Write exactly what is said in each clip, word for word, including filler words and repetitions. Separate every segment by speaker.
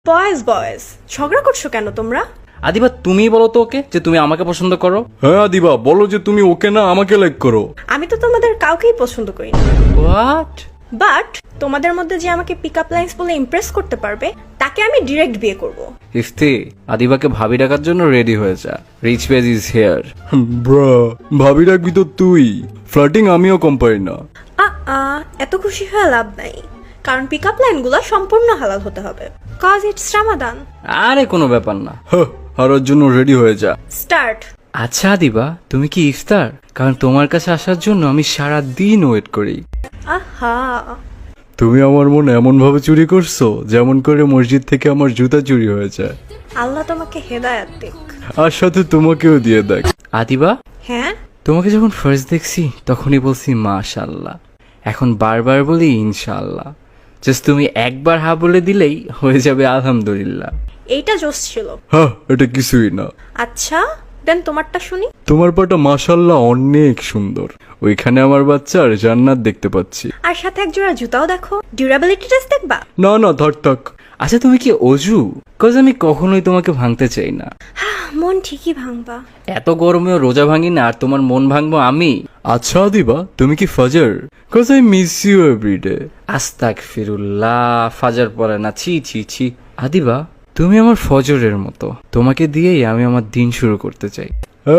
Speaker 1: Boys boys ঝগড়া করছো কেন তোমরা?
Speaker 2: আদিবা তুমি বলো তো ওকে যে তুমি আমাকে পছন্দ করো।
Speaker 3: হ্যাঁ আদিবা বলো যে তুমি ওকে না আমাকে লাইক করো।
Speaker 1: আমি তো তোমাদের কাউকেই পছন্দ করি না,
Speaker 2: হোয়াট?
Speaker 1: বাট তোমাদের মধ্যে যে আমাকে পিক আপ লাইন্স বলে ইমপ্রেস করতে পারবে তাকে আমি ডিরেক্ট বিয়ে করব।
Speaker 2: ইফতি আদিবাকে ভাবি ডাকার জন্য রেডি হয়ে যা, রিচ পেজ ইজ হিয়ার।
Speaker 3: ব্রা ভাবি রাখবি তো তুই, ফ্লার্টিং আমিও কম পারি না।
Speaker 1: আ আ এত খুশি হয়ে লাভ নাই, কারণ পিক আপ লাইনগুলো সম্পূর্ণ হালাল হতে হবে, কজ ইটস রামাদান।
Speaker 2: আরে কোনো ব্যাপার না।
Speaker 3: হ্যাঁ হারার জন্য রেডি হয়ে যা।
Speaker 1: স্টার্ট।
Speaker 2: আচ্ছা আদিবা তুমি কি ইফতার? কারণ তোমার কাছে আসার জন্য আমি সারা দিন ওয়েট করি।
Speaker 1: আহা,
Speaker 3: তুমি আমার মন এমন ভাবে চুরি করছো যেমন করে মসজিদ থেকে আমার জুতা চুরি হয়ে যায়।
Speaker 1: আল্লাহ তোমাকে হেদায়াত দিক।
Speaker 3: আর সাথে তোমাকেও দিয়ে দেখ।
Speaker 2: আদিবা
Speaker 1: হ্যাঁ,
Speaker 2: তোমাকে যখন ফার্স্ট দেখছি তখনই বলছি মাশাআল্লাহ, এখন বারবার বলি ইনশাআল্লাহ। জাস্ট তুমি একবার হা বলে দিলেই হয়ে যাবে আলহামদুলিল্লাহ।
Speaker 1: এইটা জোস ছিল।
Speaker 3: হ্যাঁ এটা কিছুই না।
Speaker 1: আচ্ছা দেন তোমারটা শুনি।
Speaker 3: তোমার পাটা মাশাআল্লাহ অনেক সুন্দর, ওইখানে আমার বাচ্চার জান্নাত দেখতে পাচ্ছি।
Speaker 1: আর সাথে এক জোড়া জুতাও দেখো, ডিউরাবিলিটি টেস্ট দেখবা?
Speaker 3: না না থাক থাক।
Speaker 2: আচ্ছা তুমি কি অজু? কজ আমি কখনোই তোমাকে ভাঙতে চাই না।
Speaker 1: মন ঠিকই ভাঙবা।
Speaker 2: এত গরমেও রোজা ভাঙি না, আর তোমার মন ভাঙবো আমি?
Speaker 3: আচ্ছা দিবা তুমি কি ফাজার? Cause I miss you every day.
Speaker 2: আস্তাগফিরুল্লাহ, ফাজার পড়ে না, ছি ছি ছি। আদিবা তুমি আমার ফজরের মতো, তোমাকে দিয়েই আমি আমার দিন শুরু করতে চাই।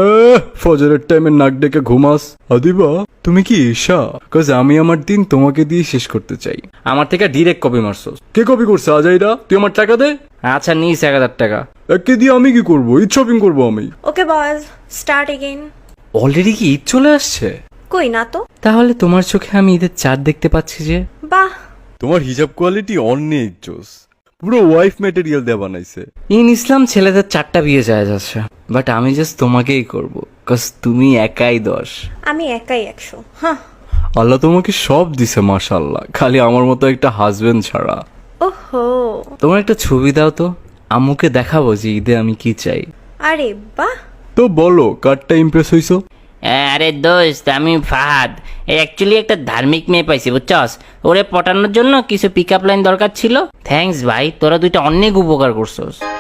Speaker 3: ফজরের টাইমে নাক ডেকে ঘুমাস। আদিবা তুমি কি ঈশা? কজ আমি আমার দিন তোমাকে দিয়ে শেষ করতে চাই।
Speaker 2: আমার থেকে ডিরেক্ট কপি মারছো।
Speaker 3: কে কপি করছে আজাইরা? তুই আমার টাকা দে।
Speaker 2: আচ্ছা নিস এক হাজার টাকা।
Speaker 3: একে দিয়ে আমি কি করবো? ঈদ শপিং করবো আমি।
Speaker 1: Okay boys, start again.
Speaker 2: Already কি ঈদ চলে আসছে?
Speaker 1: কই না তো।
Speaker 2: তাহলে তোমার চোখে আমি ঈদের চাঁদ দেখতে পাচ্ছি যে।
Speaker 1: বাহ,
Speaker 3: তোমার হিজাব কোয়ালিটি অনেক জোস, পুরো ওয়াইফ ম্যাটেরিয়াল দিয়ে বানাইছে।
Speaker 2: ইন ইসলাম ছেলেদের চারটা বিয়ে যায় যাচ্ছে, বাট আমি জাস্ট তোমাকেই করব, কজ তুমি একাই দশ।
Speaker 1: আমি একাই একশো। হ্যাঁ।
Speaker 3: আল্লাহ তোমাকে সব দিছে মাশাআল্লাহ, খালি আমার মতো একটা হাজবেন্ড ছাড়া।
Speaker 1: ওহো,
Speaker 2: তোমার একটা ছবি দাও তো, আম্মুকে দেখাবো যে ঈদে আমি কি চাই।
Speaker 1: আরে বাহ।
Speaker 3: তো বলো কারটা ইমপ্রেস হইছো?
Speaker 4: আরে দোস্ত, আমি ফাহাদ। অ্যাকচুয়ালি একটা ধার্মিক মেয়ে পাইছি বুঝছস, ওরে পটানোর জন্য কিছু পিক আপ লাইন দরকার ছিল। থ্যাঙ্কস ভাই, তোরা দুইটা অনেক উপকার করছস।